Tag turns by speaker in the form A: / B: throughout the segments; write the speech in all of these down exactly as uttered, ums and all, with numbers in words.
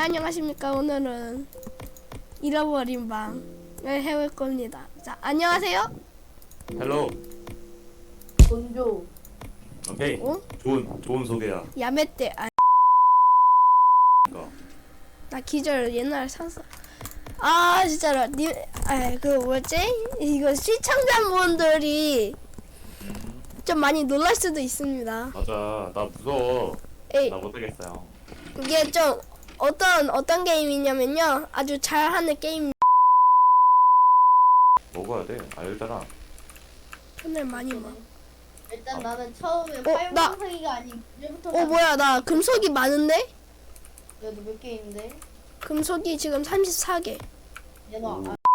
A: 안녕하십니까. 오늘은 잃어버린 방을 해볼 겁니다. 자, 안녕하세요.
B: 헬로.
C: 본조.
B: 오케이.
A: 어?
B: 좋은 좋은 소개야.
A: 야매떼. 아,
B: 이거.
A: 나 기절 옛날에 샀어. 아 진짜로 님, 아그 뭐지? 이거 시청자분들이 좀 많이 놀랄 수도 있습니다.
B: 맞아. 나 무서워.
A: 에이,
B: 나 못하겠어요.
A: 이게 좀 어떤 어떤 게임이냐면요, 아주 잘하는 게임.
B: 먹어야 돼. 알잖아.
A: 오늘 많이 먹어.
C: 일단
B: 어.
C: 나는 처음에
A: 어, 나-
C: 팔방사기가 아닌 이제부터
A: 어 뭐야, 나 금속이 많은데?
C: 너도 몇 개 있는데?
A: 금속이 지금 삼십사 개.
C: 내놔.
B: 오.
C: 아.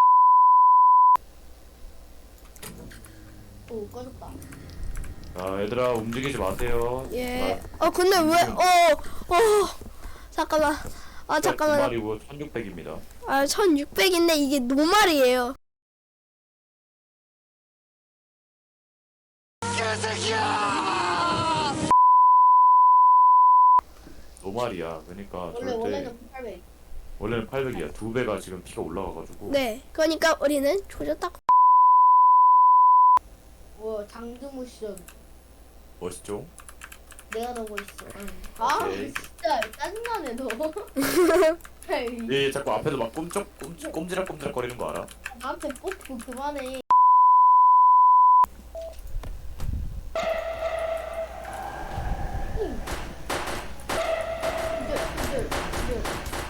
C: 오 꺼졌다.
B: 자, 얘들아 움직이지 마세요.
A: 예. 어 근데 왜? 어, 어, 잠깐만. 아 잠깐만.
B: 마리고 천육백입니다.
A: 아 천육백인데 이게 노말이에요.
B: 노말이야. 그러니까
C: 원래
B: 절대
C: 원래는 팔백.
B: 원래는 팔백이야. 두 배가 지금 피가 올라가가지고.
A: 네. 그러니까 우리는 조졌다.
C: 뭐 장등우 시전.
B: 멋있죠?
C: 내가 넣고 있어. 아
B: 오케이.
C: 진짜 짜증나네 너.
B: 얘 자꾸 앞에서 막 꼼짝 꼼짝 꼼지락꼼지락 거리는 거 알아?
C: 나한테 뽑고 그만해. 응. 기절, 기절, 기절.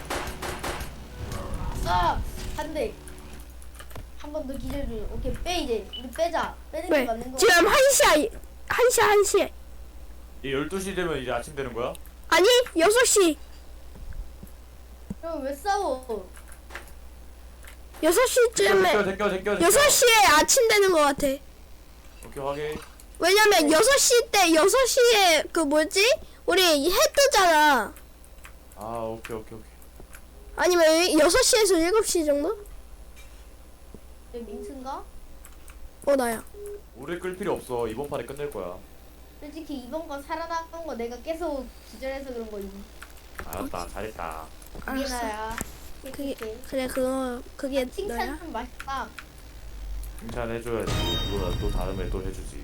C: 아! 한 대. 한 번 더 기절 중. 오케이, 빼 이제. 우리 빼자. 빼는 게
A: 왜?
C: 맞는 거.
A: 지금 한 시야. 한 시, 한 시.
B: 얘 열두 시 되면 이제 아침 되는 거야?
A: 아니, 여섯 시.
C: 그럼 왜 싸워?
A: 여섯 시쯤에.
B: 제껴 제껴 제껴 제껴.
A: 여섯 시에 아침 되는 것 같아.
B: 오케이 확인.
A: 왜냐면 여섯 시 때, 여섯 시에 그 뭐지? 우리 해 뜨잖아.
B: 아 오케이 오케이 오케이.
A: 아니면 여섯 시에서 일곱 시 정도?
C: 내 민트인가?
A: 어, 나야.
B: 오래 끌 필요 없어. 이번 판에 끝낼 거야.
C: 솔직히 이번 건 살아남은 거 내가 계속 기절해서 그런 거지.
B: 알았다. 잘했다.
C: 그게
A: 알았어.
C: 나야.
A: 그게,
C: 그게.
A: 그래, 그거, 그게
C: 칭찬
A: 너야?
C: 좀 맛있다.
B: 칭찬해줘야지. 그거 또 다음에 또 해주지.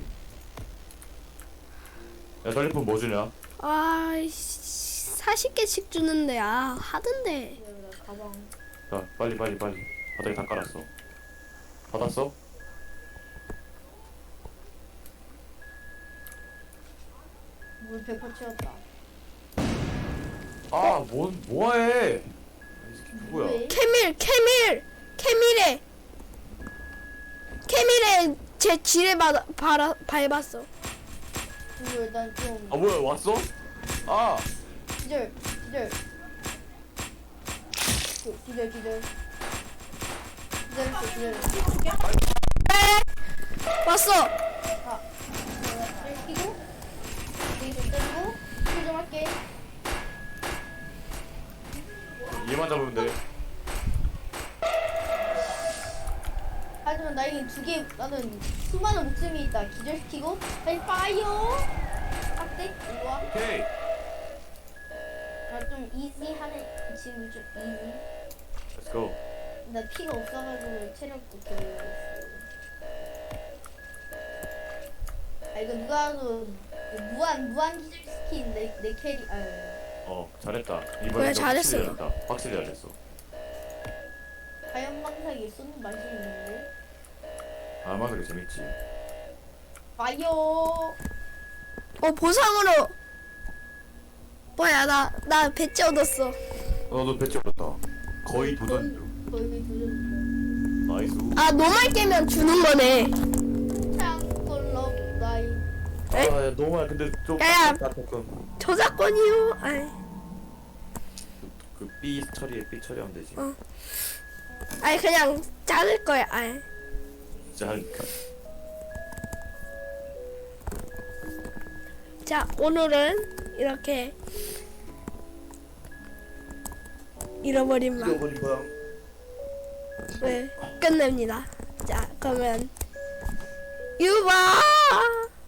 B: 야 전리품 뭐 주냐?
A: 아, 사십 개씩 주는데, 아, 하던데.
C: 그래, 가방.
B: 자 빨리 빨리 빨리. 바닥에 다 깔았어. 받았어?
C: 물 백퍼 채웠다.
B: 아뭔 뭐해? 이 새끼 누구야?
C: 왜?
A: 캐밀, 캐밀, 캐밀에, 캐밀에 제 지뢰 받아, 바라, 밟았어.
C: 이거 일단 좀
B: 아 뭐야 왔어? 아
C: 기절, 기절. 그, 기절, 기절. 기절, 기절.
A: 왔어.
C: 아, 내가 끼고, 여기 좀 때리고, 킬좀 할게.
B: 얘만 잡으면 돼.
C: 하지만 나에겐 두 개, 나는 수많은 목숨이 있다. 기절시키고, 빨리 파이어! 빡대? 이리 와.
B: 오케이.
C: 나좀 이지하네. 지금 좀 이지.
B: Let's go.
C: 나 피가 없어가지고 체력도 별로 없어. 아 이거 누가 봐도 그 무한 무한 기절시킨 내, 내 캐리. 아
B: 어 잘했다.
A: 그래,
B: 이번에
A: 잘했어.
B: 확실히 잘했다. 확실히 잘했어.
C: 과연망상이 쏘는 맛이 있는데.
B: 아마 그게 재밌지.
C: 파이어.
A: 어, 보상으로. 뭐야, 나, 나 배지 얻었어.
B: 어너 배치 얻었다. 거의 도전 중.
C: 거의 도전.
B: 나이스.
A: 아, 노말 깨면 주는 거네.
C: 창골럽 나이.
A: 에?
B: 아 너무 근데 좀
A: 야야.
B: 아깝다, 조금.
A: 저작권이요. 아이,
B: 그 B 처리에 B 처리하면 되지.
A: 어. 아이 그냥 자를 거야. 아이.
B: 진짜 하니까.
A: 자, 오늘은 이렇게 잃어버린 방.
B: 잃어버린 거야.
A: 네, 끝냅니다. 자, 그러면 유바.